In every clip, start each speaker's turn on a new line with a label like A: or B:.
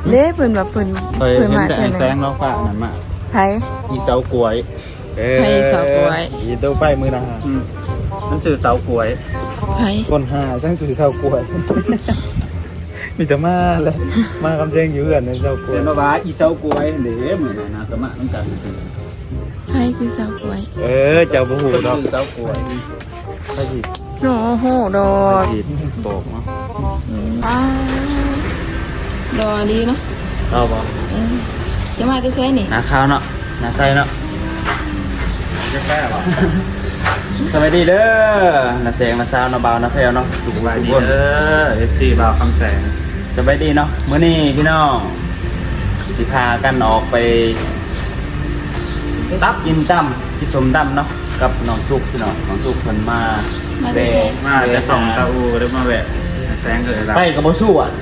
A: เด้เพิ่นว่าเพิ่น
B: เคย
A: เพิ่น
B: เห็น
A: มา
B: แต่
A: เท่า
B: แส
A: นั้น
B: งล้อฟ้านั่นมา
A: ไผ
B: อีเสากล้วย
A: ไผเสากล้วย
B: อีตัวไปมือนะมันสื่อเสากล้วย
A: ไผ
B: คนหาสร้างสื่อเสากล้วย มีแต่มาเลยมาคำเพลงอยู่กันในเสากล้วย
C: เห็นว่าอีเสากล้วยเด้เหมือนนะสมะน้ำกัน
A: ไผคือเสากล้วย
B: เจ้าบ่ฮู้ดอก
C: สื่อเสากล้วย
B: พระจี
A: โอ้โหดอ
B: พระ
A: ก
B: จีโบกเนาะ
A: ดอดีเนาะ
B: เอาบ่
A: จะมาจะใช้นี่
B: หน้าขาวเนาะหน้าใสเนาะ
C: จะแก้หรอ
B: สวัสดีเด้อน้าแสงน้าสาวน้าบ่าวน้าแพรวเนาะทุก
C: สบายดี
B: คน
C: เด้อ FC บ่าวคำแสง
B: สบายดีเนาะมื้อนี้พี่น้องสิพากันออกไปตับกินตั้มกินสมตั้มเนาะกับน้องสุกพี่น้องน้องสุกเพิ่นมา
A: มาจะใช้
C: มาจะส่องตาอูหรือมาแวะแสงเลยละ
B: ไปกับบ่สู้อ่ะ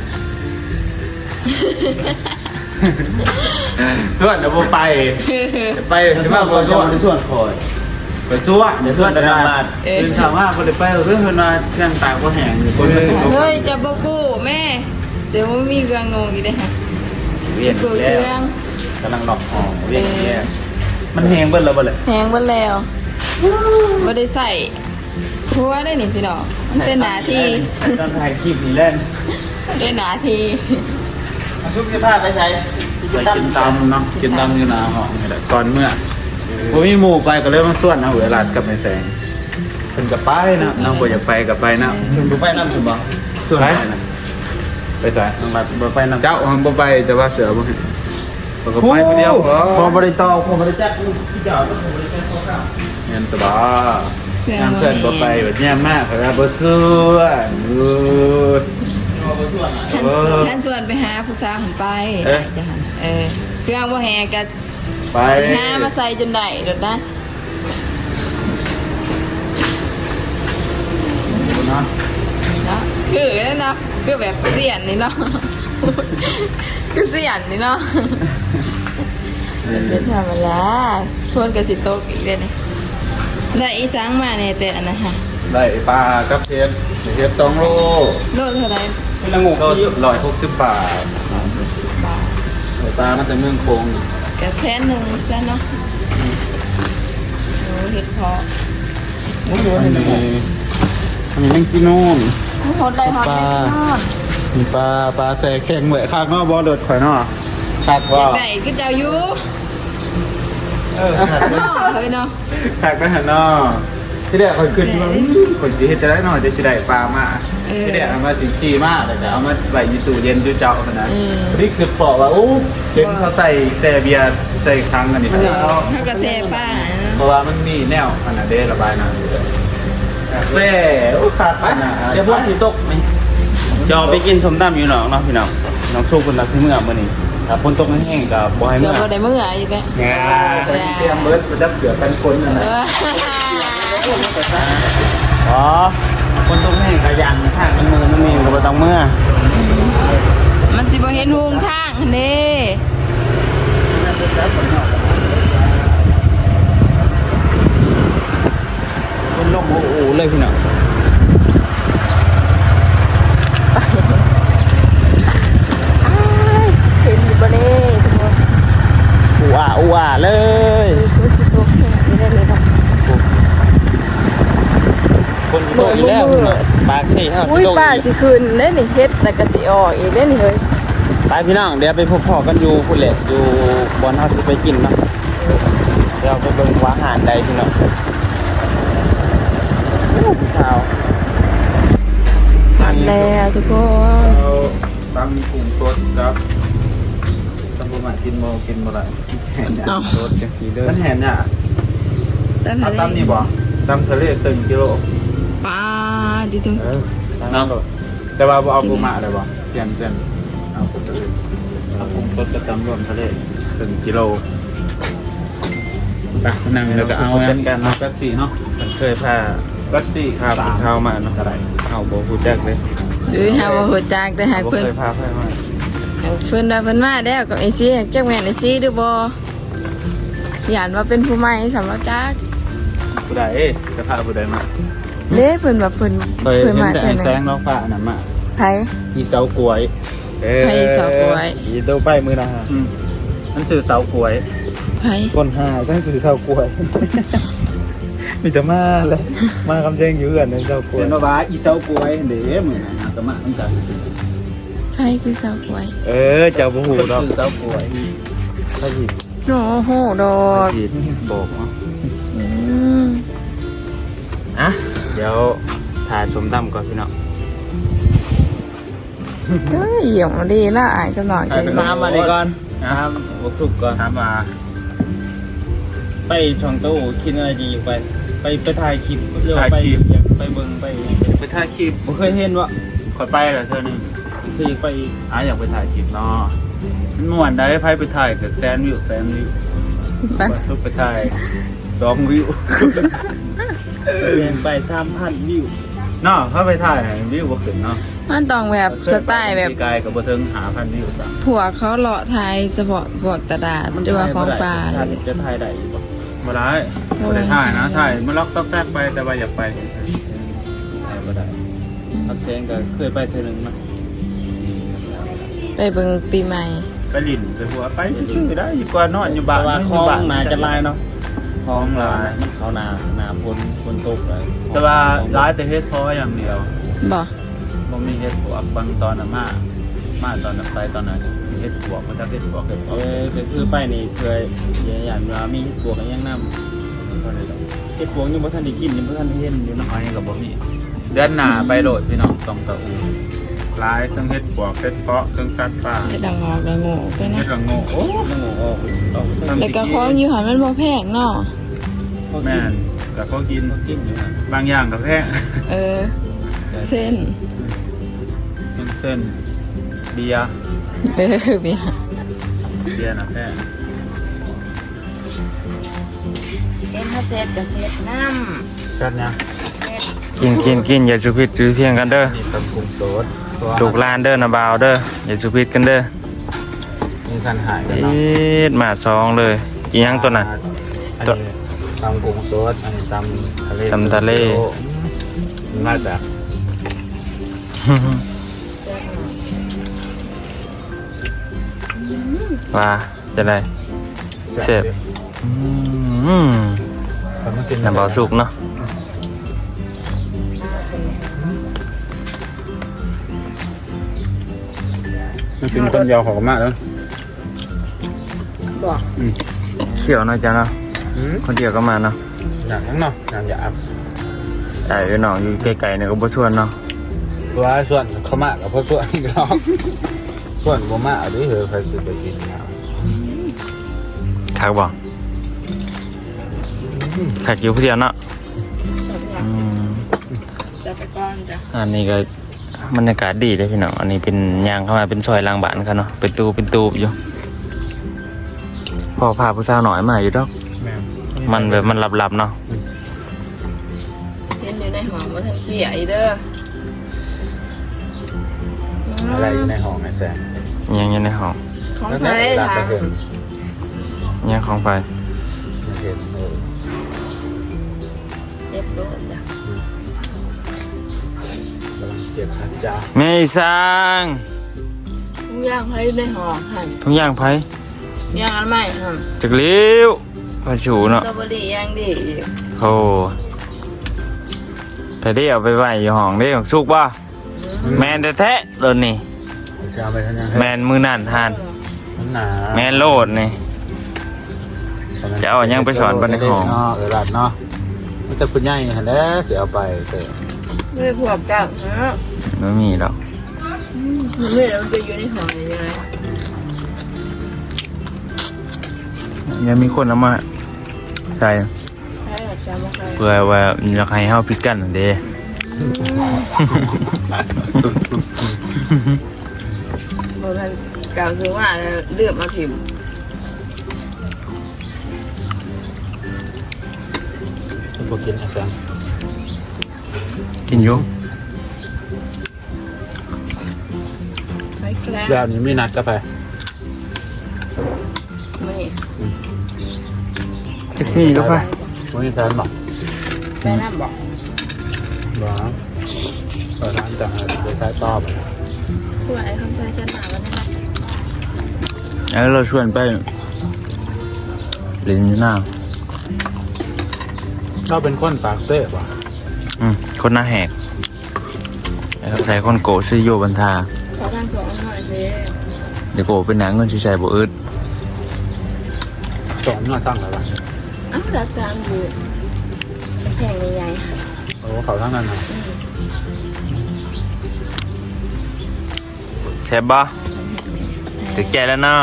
C: ส่วนเดี๋ยวบ่ไปไปสิมาบ่ส่วน
B: ส่วนคอย
C: ไปส่วนเดี๋ยวส่วนแต่ละบาทตื่นเช้ามาบ่ได้ไปเรื่องเพิ่นว่าเครื่องตากบ่แห้งคนมันสิ
A: เฮ้ยจะบอกกูแม่เดี๋ยวมีเครื่องงงอีกได้ค่ะ
B: เวียน
A: เค
B: อีก
A: รื่
B: แล้ว
A: อง
B: กำลังดอกหอมเวียนอีกแล้วมันแห้งเบิดแล้วบ่เลย
A: แพงหมดแล้วไม่ได้ใส่เพราะว่าได้นี่พี่น้องมันเป็นหนาที
B: ตอนถ่ายคลิปนี่เล่น
A: ได้หนาที
B: ทุกเสื้อผ้าไปใช้
C: ไปกินตำเนาะกินตำอยู่หน้าห้องนี่แหละก่อนเมื่อบ่มีหมู่ไปก็เลยมาส่วนเอาเวลากับไอ้แสงเพิ่นก็ไปนะน้องบ่อยากไปก็ไปนะ
B: ดูไปน้ำสุบ่
C: ส่วนไหนนะไปใส่
B: น้องรัดบ่ไปน้ำ
C: เจ้าบ่ไปแต่ว่าเสือบ่เห็นก็ไปคนเดียวพอบริตอพอบริจักที่เจ้าก็พอบริจักเขาเงินสบายงานเพื่อนบ่ไปแบบนี้มากครับบ่ส่วน
A: ท่านส่วนไปหาผู้สาวหันไปจะหันเครื่องว่าแหงกัน
C: ไป
A: สิหามาใส่จนได้เดี๋ยวนะ
C: เนาะ
A: เนาะคือนั่นเนาะคือแบบเสียนนี่เนาะคือเสียนนี่เนาะเป็นธรรมดาชวนกับสิโตกอีกเลยนี่ได้อีสังมาเนี่ยแต่อันนั้นค่ะ
C: ได้ปลากับเทป2โล
A: โลเท่าไหร
C: ละงูก็160 บาท
A: 10 บาท
C: ปลามาจากเมืองคง
A: กระแสนหนึ่งแสนเนาะโอ้เห็ดเพาะ
C: อันนี้นั่งกินโน่น
A: หดได้หอดได้ทอด
C: มีปลาแซ่แข็งเหมือนข้างนอกบ่เดือดข่อยเนาะคัก
A: อ
C: ว่า
A: ยากได้ก็เจ้าอยู่เนาะเฮ้ยเนาะ
C: คักไปหั่นเนาะที่แรกข่อยขึ้นว่าข่อยสิเฮ็ดจะได้หน่อยจะสิได้ปลามาที่แรกเอามาสิขี่มาแต่เอามาไว้อยู่ตู้เย็นอยู่เจ้าพุ่นนะนี่คือพอว่าโอ้เห็นเขาใส่แต่เบียร์ใส่ครั้งอันนี้
A: ถ้ากระแสป้า
C: เพราะว่ามันมีแนวอันนั้นเด้ระบายน้ำอยู่แซ่โอ้คักไป
B: เดี๋ยวพวกสิตกไหมจะเอาไปกินสมตำอยู่หนองเนาะพี่น้องน้องสุกเพิ่นรักที่เมื่อมื้อนี้ถ้าฝนตกแห้งๆก็บ่ให้
A: เกื
B: เมื่
A: อบ
B: อ
A: บ่ได้เมื่ออยู่แก
C: งาเตรียมเบิร์ดประจับเสือกันคนนั่นแหละ
B: อ๋อคนตรงนี้ขยันทางมันมือมันมีก็บ่ต้องเมื่อ
A: มันสิบ่เห็นหงทางเด้
B: คนลมโอ้โหเลยพี่น้อง
A: เห็นอยู่บ่เด้ทุกคน
B: อูอ่าเลย
A: คือสิตกแค่นี้ได้เลยเนาะ
B: คนโตอีกแล้วพี่น้องปากสิเฮาสิ
A: อุ้ย
B: โต
A: ป้า
B: อีก
A: สิคืนได้นี่เฮ็ดแล้วก็สิออกอีกได้นี่เฮ้ย
B: ไปพี่น้องเดี๋ยวไปพบพ่อกันอยู่พุ่นแหละอยู่บ่อนเฮาสิไปกินเนาะเดี๋ยวไปเบิ่งว่าอาหารใดพี่น้องโอ้ผู้สาว
A: แล้วทุกคน
C: เราตำกุ้งสดครับตำปูหมากินโมกินโมละแห่นเนี่ย
B: รถจังสีเด้อ
C: มันแห่นเนี่ย
A: ตาม
C: เอา
A: ทะเล
C: ตำนี่บ่ตำทะเลตึงกิโล
A: ป้าดิทุก
C: เนาะแต่ว่าบ่เอาปูหมาเลยบ่เปลี่ยนเอาปูทะเลเอากุ้งสดกับตำรวมทะเลตึงกิโลไปนั่งแล้วก็เอาจัดการเนาะกัดสีเนาะ
B: มันเคยพา
C: กัดสี
B: พาผู้สาวมาเนาะเฮาบ่ฮู้จักเลย
A: หาว่าหัวจากได้ให้
B: บ่
A: เพิ่น
B: เคยพาไปมา
A: เพิ่นว่าเพิ่นมาแล้วกับไอ้ซี่จักแม่นไอ้ซี่ดูบ่ย่านว่าเป็นผู้ใหม่สำหรับจัก
C: ผู้ใดกระทะผู้ใดมา
A: เด้เพิ่นว่าเพิ่น
C: เคยเห็น
A: มา
C: แต่
A: เท่า
C: แส
A: นั้
C: ง
A: น
C: ล้อฟ้าอันนั้นมา
A: ไผ
C: อีเสากล้วย
A: ไผเสากล้วย
B: อีโตไปมือนะฮะ
C: มันสื่อเสากล้วย
A: ไผ
B: คนหาตั้งสื่อเสากล้วย มีแต่มาเลยมาคำแจ้งอยู่กันในเสากล้วย
C: เป็นว่าอีเสากล้วยเด้มื้อนั้นนะก็มาเหมือนกัน
A: ไผคือเสากล้วย
B: เจ้าบ่ฮู้ดอก
C: สื่อเสากล้วย
B: ถ้าหยิบ
A: โอ้โหดอก
C: ผิดบอกเนาะ
A: อืม
B: อ่ะเดี๋ยวถ่ายสมตำก่อนพี่น้อง
A: เฮ้ยเหี่ยวดีละอายก็หน่อยจะ
B: น้ำมาเลยก่อนน้ำบกสุกก่อน
C: ถามว่า
B: ไปช่องตู้คิดอะไรดีไปถ่ายคลิปเรื่องไปไปเบิ่งไป
C: ไปถ่ายคลิป
B: ผมเคยเห็นว่า
C: ขอยไปแล้วเทื่อนึง
B: คือไป
C: อยากไปถ่ายคลิปเนาะมันม่วนได้ไผไปถ่ายกับแสนวิว
A: ไป
C: สุกไปถ่าย2วิว
B: เซ็นไป3,000 วิว
C: เนาะถ้าไปถ่ายวิวบ่ขึ้นเนาะ
A: มันต้องแบบสไตล์แบบ
C: ปีกายก็บ่ถึง5,000วิวจ้ะ
A: ผัวเขาเลาะไทยเฉพาะพวกตลาดหรือว่าของป่า
B: ชัด
A: เลย
B: จะถ่ายได้อยู่บ่
C: บ่ได้บ่ได้ถ่ายนะถ่ายมันล็อกต๊อกแตกไปแต่ว่าอยากไป
B: ถ่ายบ่ได้ทักเซนก็เคยไปเทื่อนึงนะ
A: ไปเบิ่งปีใหม่
C: ไปลิ้นไปหัวไปชื่อได้อยู่กว่านอนอยู่บ้า
B: แต่
C: น
B: ว่าคลองนาจะลายเนาะคลองลาย
C: ย
B: มันเขานาฝนตกเลย
C: แต่ว่าร้ายแต่เฮ็ดพออย่างเดียว
A: บ่
C: บ่มีเฮ็ดบวกบางตอนน่ะมาตอนนั้นไปตอนนั้นเฮ็ดบวกมันจะเฮ็ดบวกเฮ็ดบวก
B: ก็คือไปนี่เคยอย่างว่ามีเฮ็ดบวกกันยังนำเฮ็ดบวกยังบ่ทันได้กินยังบ่ทันได้เห็นอยู่เนาะ
C: น้อยก็บ่มีเดือนหน้าไปโหลดพี่น้องต้องตะอูร้ายทั้งเฮ็ดบวกเฮ็ดเพาะทั้งกัดปลา
A: เฮ็ดดังออกดังโง่ไป
C: เฮ็
A: นะ
C: ดละโง่โอ้
B: ต้องออก
A: แล้วก็ของอยู่หันมันบ่แพงเนาะ
C: แม่นก็เขากิน
B: กินอยู่นะ
C: บางอย่างก็แพง
A: เออ เส้น
C: เส้นเบียร์
A: เออเบียร์
C: น่ะแพง
A: เอ็นถ้าเสร็จก็เสร็จน้
C: ชัดนะ
B: กินอย่าสุพิษถือเที่ยงกันเด้อ
C: นี่ตำกุ้งสด
B: ถูกลานเด้อนะบ่าวเด้ออย่าสุพิษกันเด้อ
C: มีคันหายกัน
B: เอ็
C: เนาะ
B: ดมาซองเลยอีหยังตัวน่ะ
C: อันนี้ตำกุ้งสดอันนี้ตำทะเล
B: ตำทะเล
C: มาจาก
B: ว่าจะได้เสพน้ำเบาสุกเนาะ
C: มันเป็นคนยาวหอมมากแล้ว
A: ำบอก
B: เขียวเนาะจ้ะเนาะคนเดียวก็มาเนาะ
C: หนังเนาะหนังหยาบ
B: ไอ้น้องอยู่ไกลๆเนี่ยก็บ่ชวนเนาะ
C: ตัวส่วนเขามากกับพวกส่วนอีกรอบส่วนบ่มาด้วยเหรอใครคือไปกินน้
B: คักบ่คักอยู่ผู้เดียวเนาะอืม
A: จะไปก่อนจ้ะ
B: อันนี้ก็บรรยากาศดีเลยพี่น้องอันนี้เป็นยางเข้ามาเป็นซอยลางบ้านกันเนาะเป็นตูบอยู่พอพาผู้สาวหน่อยมาอยู่ดอก
C: ำแม่
B: มันแบบมันหลับๆเนาะ
A: เห็นอยู่ในหอมว่าทั้งเสียอีเด้อ
C: อะไรอยู่ในห้องไอ้แซม
B: ยังอยู่ในห้อง
A: ของไทย
C: ดับ
A: ค่ะ
C: ไปเห็น
B: ยังของไฟ
C: เห็น
A: เจ็บโดนจ้ะ
C: กำลังเจ็บนะจ๊ะ
B: ไงสร้าง
A: ทุกอย่างให้ในหอมหั่น
B: ทุกอย่างไฟ
A: ย่างอันใหม่หั่น
B: จักเลี้ยวมาฉู
A: ส
B: เนาะ
A: ตรอเบอรี่ย่างดีอีก
B: โอ้แต่ได้เอาไปไว้อยู่ห้องได้ของสุกป่ะแมนแท้ๆเลยนี่
C: จะเอาไปทางยัง
B: แมนมือนั่นทาน
C: มันหนา
B: แมนโลดนี่ จะเอายังไปสอนบ้านในห้อง
C: หลานเนาะมันจะคุณใหญ่ฮะแล้วจะเอาไปเตะ
A: ด้วยพวกจังฮะ
B: ไม่มีหรอก
A: นี่เราจะอยู่ในหอมยังไง
B: ยังมีคนเอามาใส่
A: ใช่หรอใช่ไหมใช่
B: เพื่อว่าอยากให้เฮาพิดกันนั่นเด้
A: เมื่อพันเก่าซื้อมาแล้วเลือกมาถิ่ม
C: พวกกินไอ้แซม
B: กินอยู่
A: ไปแกล้ง
C: แบบนี้ไม่นัดก็ไป
A: ไม่
B: แท็กซี่ก็ไป
C: วันนี้แฟนบอก
A: ไปน้ำบอก
C: บอกร้านจะไปใช้ต่อไป
A: ช่วยคำใช้ฉันหนาวันนี้
B: แล้วเราชวนไปลินหน้า
C: เราเป็นคนปากเซ่บว่ะ
B: คนหน้าแหกแล้วใส่คนโกชื่อโยบันทา
A: ขอทางสองหน่อยสิ
B: เดี๋ยวโกเป็นหนังเงินใส่บ่อึด
C: สองหน้าตั้งแล้วว่ะ
A: อ้าวรักจานบูดแข่งใหญ่
C: โอ้เขาทั้งนั้นนะ
B: แซ่บบ่ตึกใจแล้วเนาะ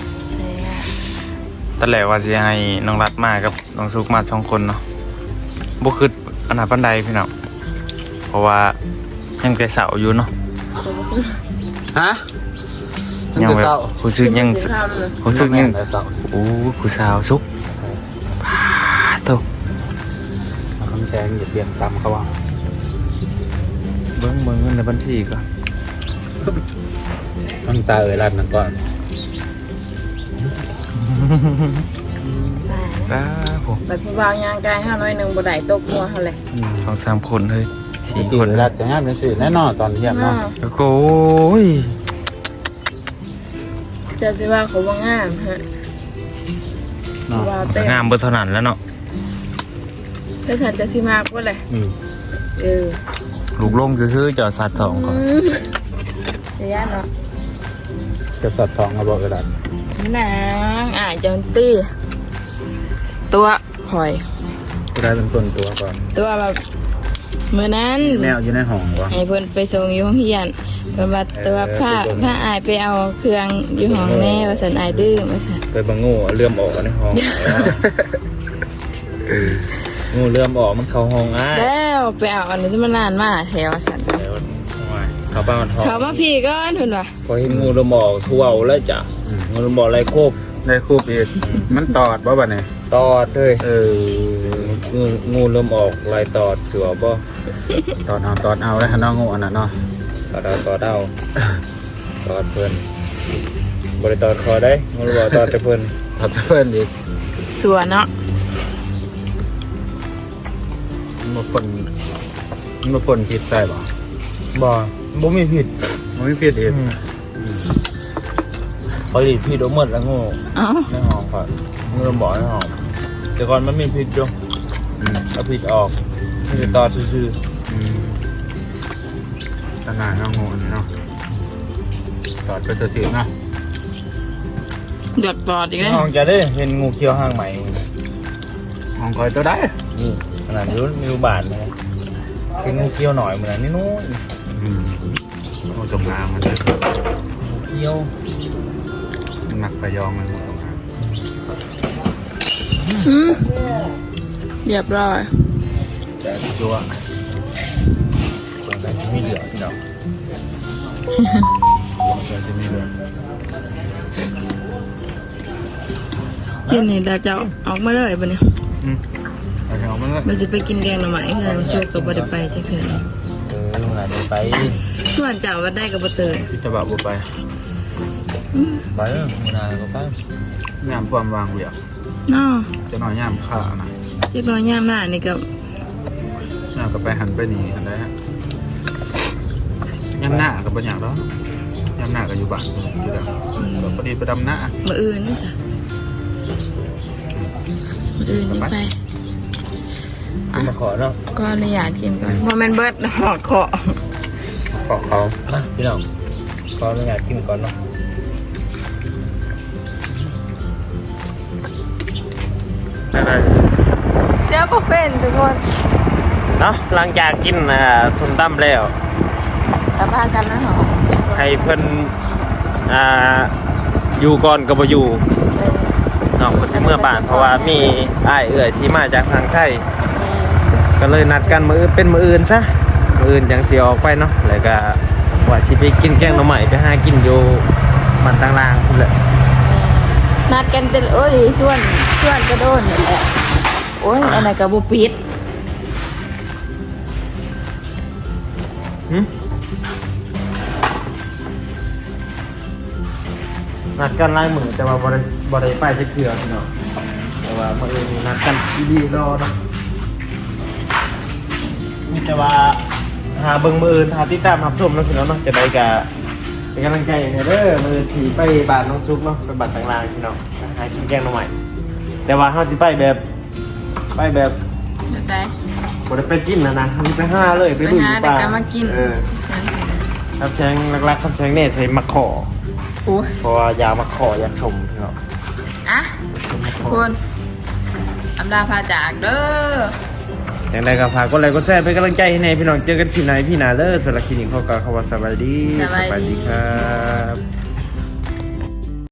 B: ตอนแรกว่าสิให้น้องรัดมากับน้องซุกมา2คนเนาะบ่คิดอันนั้นปานใดพี่น้องเพราะว่ายังแต่เสาอยู่เนาะ
C: ฮะ
B: ยังแบบรู้สึกยังรู้สึกยัง
C: แต่เสา
B: โอ้ผู้สาวซุกพาโต
C: คำแชงเหยียบเบียงตามเขาว่า
B: เบิ่งเงินในบัญชีก่อน
C: ต้องตารัดนั่นก่อน
B: อ้าผม
A: ไปผู้บ่าวยางกายห้าน้อยหนึ่งบ่ได้ตกหัวเขาเลย
B: 2-3 คนเฮ้ย
C: สี่
B: 4
C: ค
B: คน น
C: รัดแต่งานเป็นสื่อแน่นอนตอนเที่ยงเนาะ
B: แล้วก็โอ้ย
A: จะสิว่าเขาว่างามฮะว่าเต้น
B: งามเบิดเท่านั้นแล้วเนาะ
A: เพื่อฉันจะสิมากว่าเลยเออ
B: ลูกลงซื้อๆจอดสัตว์ทองก่อน
A: เดี๋ยวเนาะ
C: จะสัตว์ทองมาบอกกระดาษ
A: นางจอนตี้ตัวหอย
C: จะได้เป็นต้นตัวก่อน
A: ตัวแบบเมื่อนั้น
C: แมวอยู่ในห้องวะ
A: ให้เพิ่นไปส่งอยู่ห้องเรียนเพิ่นว่าตัวผ้าอายไปเอาเครื่องอยู่ห้องแน่ว่าสันอายดื้อว่าสัน
B: ไปบังงูเลื่อมออกในห้องงูเลื่อมออกมันเข้าห้องอ้าย
A: แล้วไปเอาอันนี้ที่มันนานมากแถวสัน
B: แล้วเขาบ้านห้อง
A: เขามาพี่ก็เพิ่นว่า
B: พอเห็นงูเลื่อมออกทั่วแล้วจ้ะงูเลื่อมออกไรโคบ
C: ได้คู่ปีมันตอดบ่บ่เนี่ย
B: ตอดเลย งูเลื่อมออกลายตอดเสือบ่
C: ตอดเอาแล้วฮะน้องงูอันนั้นเนาะ
B: ตอดเอาตอดเพิ่นบริตอดคอได้งูเลื่อมออกตอดแต่เพิ่น
C: ตอดเพื่อนอีก
A: สัวเนาะ
C: มันมาปนผิดใส่บ่
B: บ่มีผิด
C: มันไม่ผิดอีก
B: เขาหลีผิดหมดแล้วงู
A: เอ้า
B: ในห้องก่อนงูเลื่อมออกในห้องแต่ก่อนมันมีผิดอยู่เอาผิดออกมีตอดซื่อ
C: ขนาดน้องงูอันนี้เนาะตอดก็จะเสียนะ
A: เดือดตอดอีก
B: ๆใน
A: แล้ว
B: ห้องจะได้เห็นงูเขียวห้างใหม่
C: มองคอยตัวได้
B: นี่ขนาดนี้มีบาทนะเป็นงูเขียวหน่อยเหมือนนี่นู้น
C: งูจงอางมันเลย
B: งูเขียว
C: หนักไปยองมันงูจงอาง
A: เรียบร้อย
B: แต่จัวสงสัยสิมีเหลือพี่น้อง
C: จะจะมีเลย
A: กินนี่เราจะออกมาเลยปะเนี่ย
C: ไปเอามันเลย
A: มันจะไปกินแกงหน่อไม้ที่ทางโชคกับบ่ได้ไปจักเทื่อ
B: งานนี้ไป
A: ส่วนเจ้าว่าได้กับบ่เติน
C: ที่จะแบบบุไป
B: ไปงานก็ไป
C: ย่ามความวางเวียก
A: เนาะ
C: จะหน่อยย่ามข้านะ
A: จักน้อยยามหน้านี่ก็
C: ย่ามก็ไปหันไปหนีอันใดฮะย่ามหน้าก็เป็นอย่างแล้วย่ามหน้าก็อยู่บ้านอยู่แล้วพอดีไปดำหน้า
A: มื้ออื่นนี่จ้ะมื้ออื่นนี่ไป
B: มาขอเนาะ
A: ก็อนุญาตกินก่อนบ่แม่นเบิดหอกเคาะ
C: ขอเขา
B: มาพี่น้องขออนุญาตกินก่อนเนาะ
A: เดี๋ยวบ่เป็นทุกคน
B: เนาะหลังจากกินส้มตำแล้ว
A: กลับพากันนะหอ
B: ให้เพิ่นอยู่ก่อนก็บ่อยู่เนาะเพิ่นสิเมื่อบ้านเพราะว่ามีอ้ายเอื้อยสิมาจากทางไทยก็เลยนัดกันมื้อเป็นมื้ออื่นซะมื้ออื่นจังสิออกไปเนาะแล้วก็ว่าสิไปกินแกงหน่อไม้ไปหากินอยู่บ้านต่างล่างพุ่นแหละ
A: นัดกันแต่โอ้ยส่วนกระโดนนี่แหละโอ้ยอันนั้นก็บ่ปิด
B: นัดกันหลายมื้อแต่ว่าบ่ได้ไปจักเทื่อพี่น้องแต่ว่ามื้ออื่นนัดกันดีๆรอเนาะมีแต่ว่าหาเบิ่งมื้ออื่นหาติดตามรับชมเนาะพี่น้องเนาะจะได้ก็ไปเป็นกำลังใจให้เด้อมือถีไปบ้านน้องซุกเนาะไปบ้านต่างๆพี่น้องหากินแกงน้องใหม่แต่ว่าเฮาสิไปแบบ
A: แบบ
B: บ่
A: ใด
B: ได้ไปกินนะเฮาสิไปหาเลยไป
A: ไป
B: ลุย
A: หา
B: ป่า
A: แต่ก็มากิน
B: คำแซงหลักๆคำแซงเนี่ยใส่มะขอ
A: โอ้ย
B: เพราะว่ายามาขอยาสมพี่น้อง
A: อ่ะคุณอำลาพาจากเด้อ
B: อย่างไรก็ฝากกดไลค์กดแชร์เป็นกำลังใจให้ในพี่น้องเจอกันคลิปไหนพี่นาเลิศสำหรับคลินิกเขาก็เขาว่าสบายดี
A: สบายดี
B: ครับ